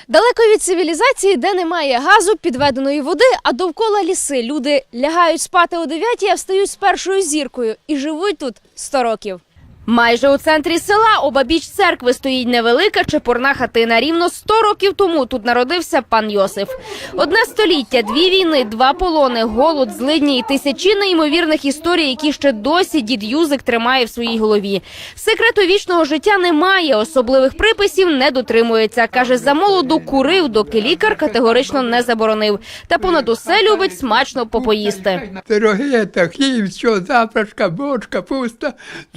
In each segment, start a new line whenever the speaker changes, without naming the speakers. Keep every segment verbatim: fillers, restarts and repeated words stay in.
Далеко від цивілізації, де немає газу, підведеної води, а довкола ліси. Люди лягають спати о дев'ятій, а встають з першою зіркою і живуть тут сто років. Майже у центрі села, обабіч церкви, стоїть невелика чепурна хатина. Рівно сто років тому тут народився пан Йосиф. Одне століття, дві війни, два полони, голод, злидні і тисячі неймовірних історій, які ще досі дід Юзик тримає в своїй голові. Секрету вічного життя немає, особливих приписів не дотримується. Каже, за молоду курив, доки лікар категорично не заборонив. Та понад усе любить смачно попоїсти.
Пироги, та хліб, що, запрашка, бочка, пуста.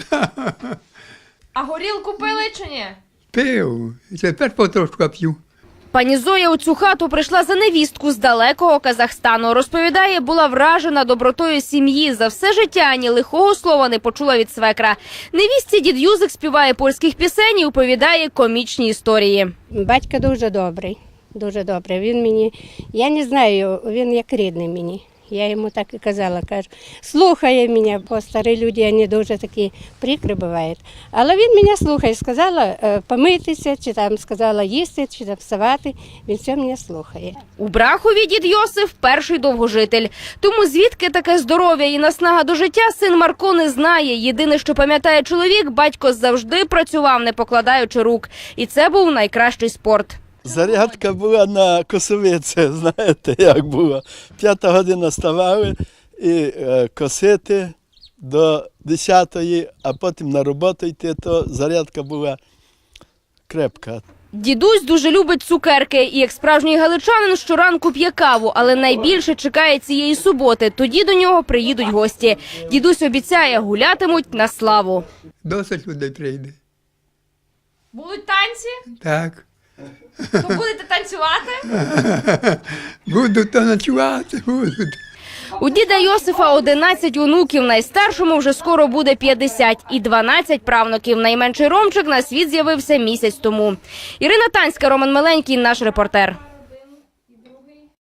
А горілку пили чи ні?
Пив, і тепер потрошку п'ю.
Пані Зоя у цю хату прийшла за невістку з далекого Казахстану. Розповідає, була вражена добротою сім'ї. За все життя ані лихого слова не почула від свекра. Невістці дід Юзик співає польських пісень і оповідає комічні історії.
Батько дуже добрий, дуже добрий. Він мені, я не знаю, він як рідний мені. Я йому так і казала, кажу, слухає мене, бо старі люди, вони дуже такі прикри бувають. Але він мене слухає, сказала помитися, чи там сказала їсти, чи там вставати, він все мене слухає.
У Брахові дід Йосиф – перший довгожитель. Тому звідки таке здоров'я і наснага до життя син Марко не знає. Єдине, що пам'ятає чоловік, батько завжди працював, не покладаючи рук. І це був найкращий спорт.
Зарядка була на косовиці, знаєте, як було. П'ята година ставали і е, косити до десятої, а потім на роботу йти, то зарядка була крепка.
Дідусь дуже любить цукерки і, як справжній галичанин, щоранку п'є каву, але найбільше чекає цієї суботи. Тоді до нього приїдуть гості. Дідусь обіцяє, гулятимуть на славу.
Досить людей прийде.
Будуть танці?
Так.
То будете танцювати?
Будуть то ночувати, будуть.
У діда Йосифа одинадцять онуків, найстаршому вже скоро буде п'ятдесят, і дванадцять правнуків. Найменший Ромчик на світ з'явився місяць тому. Ірина Танська, Роман Миленький, наш репортер.